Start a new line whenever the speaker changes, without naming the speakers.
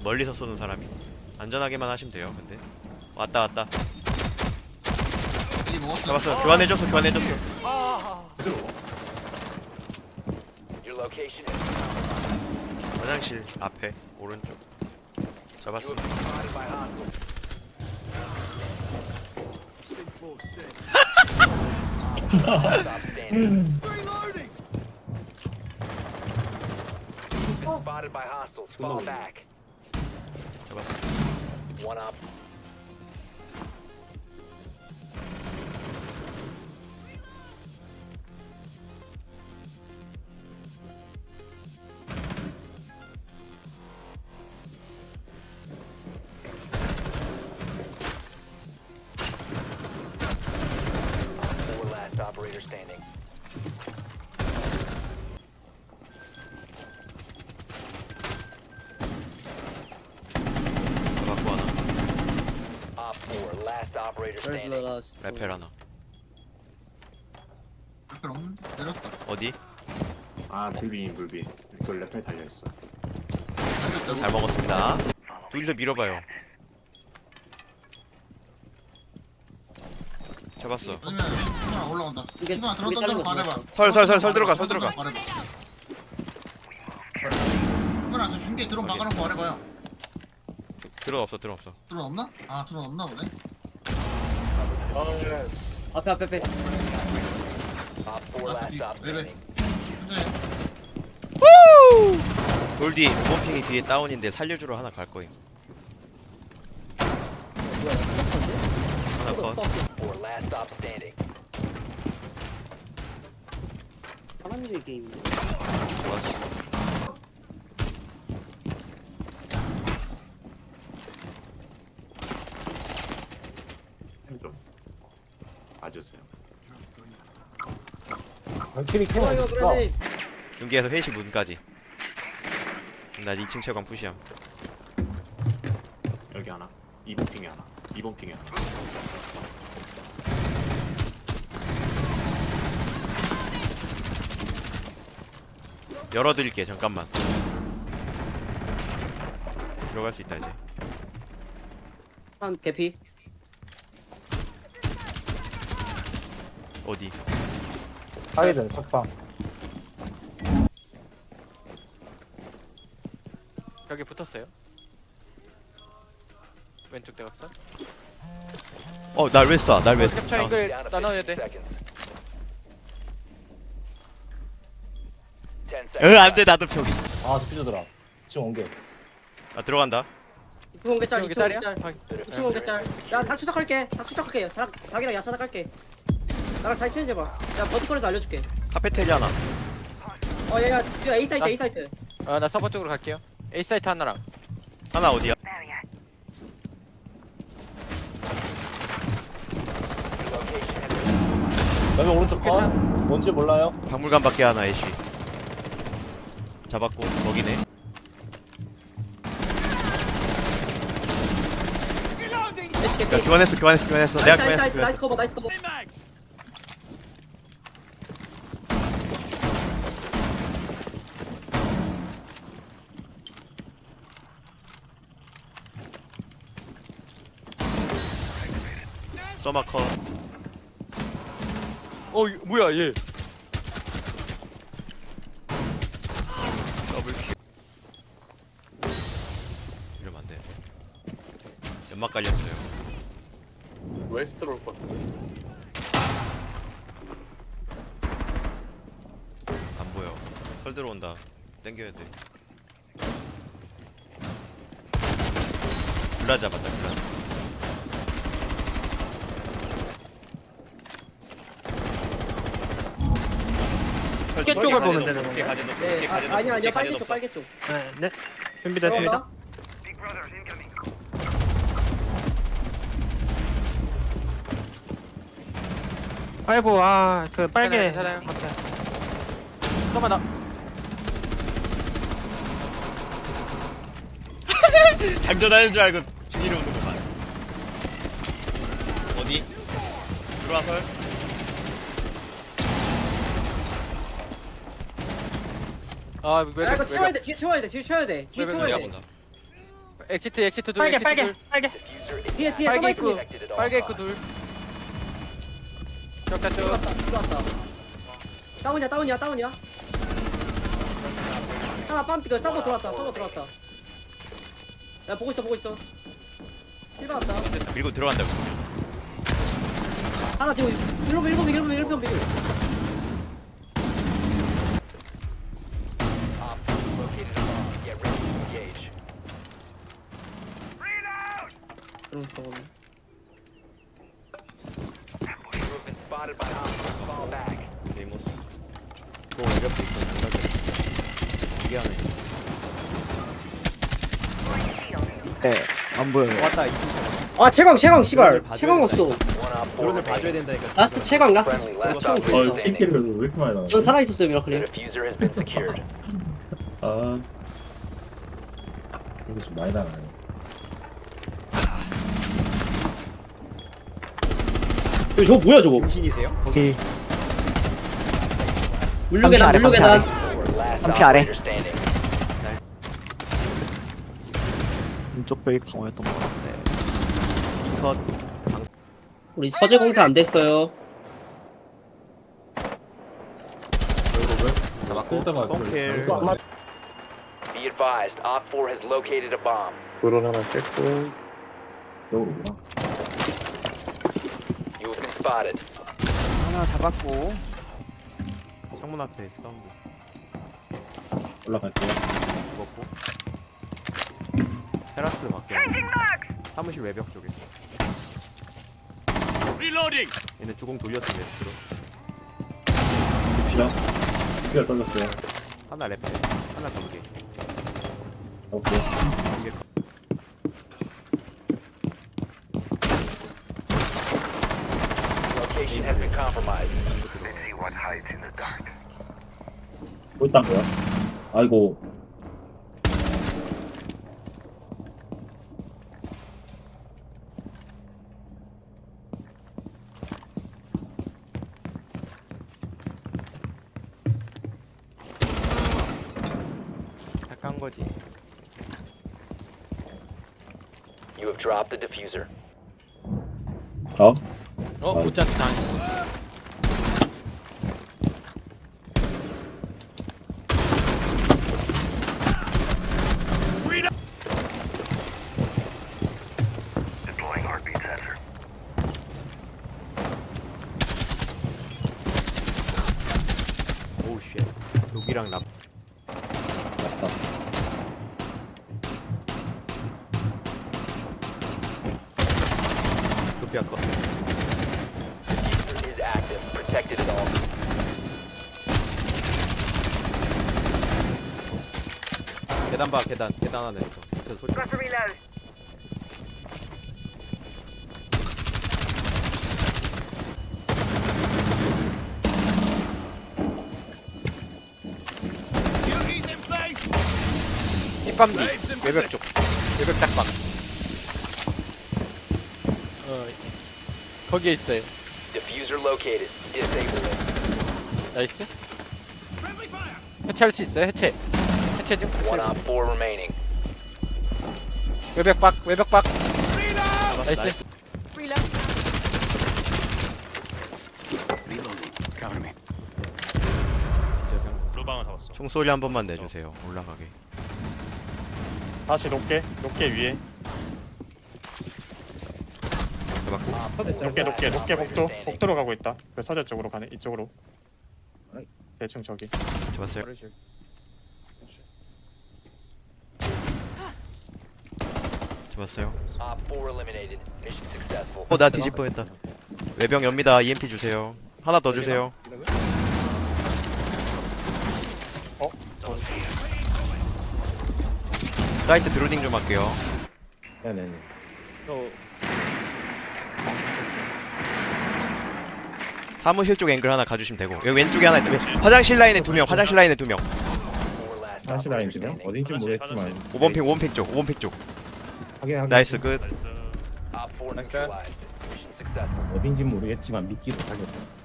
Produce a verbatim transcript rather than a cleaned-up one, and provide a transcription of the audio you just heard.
멀리서 쏘는 사람이 안전하게만 하시면 돼요. 근데 왔다 왔다.
여기 먹었어.
잡았어. 교환해줬어. 교환해줬어.
Your location is
화장실 앞에 오른쪽. 잡았어.
you have been spotted by hostiles. Stop standing. Been spotted by hostiles. Fall back.
잡았어.
One up. Four last operator standing.
잡았고 하나.
Op four last operator
Where's the
standing.
last?
레펠 하나.
레펠 없는데? 내렸다.
어디?
아 불비 불비 이걸 랩에 달려있어.
내렸다고?
잘 먹었습니다. 둘이서 밀어봐요. 잡았어.
아니면 하나 올라온다.
이게-
이거
이게
들어갔던 대로
자른 거
말해봐.
설, 설, 설, 설 들어가, 설 들어가.
말해봐. 이거랑 중계 드론 박아놓고 말해봐요.
들어 없어. 들어 없어.
드론 없나? 아 드론 없나 보네.
앞에 앞에 앞에.
Op four
That's
last
the-
op
wait, wait.
standing.
근데
돌 뒤, 무범핑이 뒤에 다운인데 살려주러 하나 갈 거임.
뭐야 나
하나 컷.
Four last op standing.
하나님의 게임인데.
좋았어.
좀 봐주세요.
좋아 이거 그러네.
중계에서 회시 문까지. 나 이 층 채광 푸시함.
여기 하나. 이번 핑에 하나. 이번 핑에 하나.
열어드릴게. 잠깐만. 들어갈 수 있다 이제.
한 개피.
어디?
사이드 석방
벽에 붙었어요. 왼쪽 대각선.
어, 날 왜 쏴? 날 왜 쏴?
캡처
아,
앵글
Down to
나눠야
fifteen
돼.
seconds. ten
으,
seconds.
안 돼. 나도 표기.
아 스피드더라 지금 온게
아, 들어간다.
이층 공개짤
여기
이층
짤이야?
공개짤.
확인.
이층 공개짤. 야다 추적할게. 다 추적할게. 다 닭이랑 야사다 깔게. 나랑 잘 체인지 해봐. 야 버티컬에서 알려줄게.
카페테리아 하나.
어 야야 지금 A 사이트
나-
A 사이트.
아, 나 서버 쪽으로 갈게요. A 사이트 하나랑.
하나 어디야?
여기 오른쪽 컷
괜찮아.
뭔지 몰라요
박물관 밖에 하나 애쉬. 잡았고 거기네.
에스 개피.
야, 교환했어. 교환했어. 교환했어. 내가
나이스
교환했어.
나이스 나이스
교환했어.
커버 나이스 커버.
서마 컷.
어, 이거 뭐야 얘?
더블 킬. 이러면 안 돼. 연막 깔렸어요.
웨스트로 올 것 같은데.
안 보여. 설 들어온다. 땡겨야 돼. 블라 잡았다. 블라. 설
깨
뒤에
쪽을
가재도
보면
없어.
되는
뒤에
건가요?
가재도 없어.
네
뒤에
아,
가재도
아니야
없어. 뒤에
아니야 빨개
가재도
쪽
없어.
빨개 쪽.
네, 네. 준비됐습니다.
들어온다.
아이고, 아, 그 빨개.
괜찮아요. 괜찮아요. 서버 나.
장전하는 줄 알고 죽이러 오는 거만. 어디? 들어와 설.
아, 왜
야 이거
왜-
채워야
왜-
돼. 뒤에 채워야 돼. 뒤에 채워야 돼. 뒤에
왜- 왜-
채워야
내가
돼.
본다.
엑시트 엑시트 둘
빨개
엑시트
빨개
둘
빨개.
Diffuser is
뒤에 뒤에
빨개
서버
입구
protected at all
빨개 입구
times.
둘 쭉
들어왔다
갔죠
들어왔다. 다운이야 다운이야 다운이야. 하나 빰 그 서버 들어왔다 서버 들어왔다. 야 보고 있어 보고 있어. 힐 받았다.
밀고 들어간다.
하나 지금 일곱 일곱 일곱 일곱 일곱.
Op four located a bomb. Get ready to engage.
그럼 저거는.
You have been spotted by hostiles. Fall back.
데이모스. 또 외벽도 있고. 이게 하나 있어.
네, 안 보여요.
왔다 이 층.
아 채광 채광 씨발
봐줘야
채광 왔어.
One op four
드론을 봐줘야
remaining.
된다니까.
라스트 채광 라스트
Friendly last
채광
operator
어
보였다.
standing.
킬킬을 왜 이렇게 많이 나와?
전 살아 있었어요
The
미라클님.
diffuser has been secured.
아 이거 좀 많이 나가네.
저거 뭐야 저거?
중신이세요?
거기
물류계단
아래,
물류계단.
Four last
한피 아래.
operator standing.
왼쪽 벽이 강화였던 것 같은데.
컷.
우리 서재공사 안 됐어요.
잡았고.
쓸데가
뻥킬.
Be advised, Op four has located a bomb.
드론 하나 깼고.
여기구나.
You have been spotted.
하나 잡았고.
창문 앞에 사운드.
올라갈게요.
죽었고. 테라스 밖에. 사무실 외벽 쪽에. 얘네 주공 돌렸어 웨스트로.
피라. 피가 떨렸어요.
하나 랩해. 하나 거북이.
오케이.
이게
Location has been compromised.
뭐 있단 거야? 아이고.
약간 거지
You have dropped the diffuser.
어?
어 못잡 당했어
오우 쉣. 여기랑 납.
맞다.
급히 아까.
Diffuser is active. Protected at all.
계단 봐 계단. 계단 하나 있어. 밑에 소리.
힙밤디 외벽 쪽 외벽 짝방 어 거기에 있어요
Diffuser located. Disable it.
나이스 해체할 수 있어요 해체 해체 중
One op four remaining.
외벽 박 외벽 박 나이스
루방을 잡았어.
총소리 한 번만 내주세요. 올라가게.
다시 높게, 높게 위에.
잡았고.
높게, 높게, 높게 복도, 복도로 가고 있다. 그 서재 쪽으로 가네, 이쪽으로. 대충 저기.
잡았어요. 잡았어요.
Op four eliminated. Mission successful.
어 나 뒤집 뻔했다. 외병 엽니다. 이엠피 주세요. 하나 더 주세요.
어?
사이트 드로딩 좀 할게요.
네네네.
사무실 쪽 앵글 하나 가주시면 되고 여기 왼쪽에 하나 있다. 왼- 화장실 라인에 두 명. 화장실 라인에 두 명.
Four last
한시
operator
라인이요?
standing.
어딘지 모르겠지만.
오 번 핑, 오 번 핑 쪽, 오 번 핑 쪽.
확인 확인.
나이스 끝.
Op four neutralized. Mission successful.
어딘지 모르겠지만 믿기도 하겠다.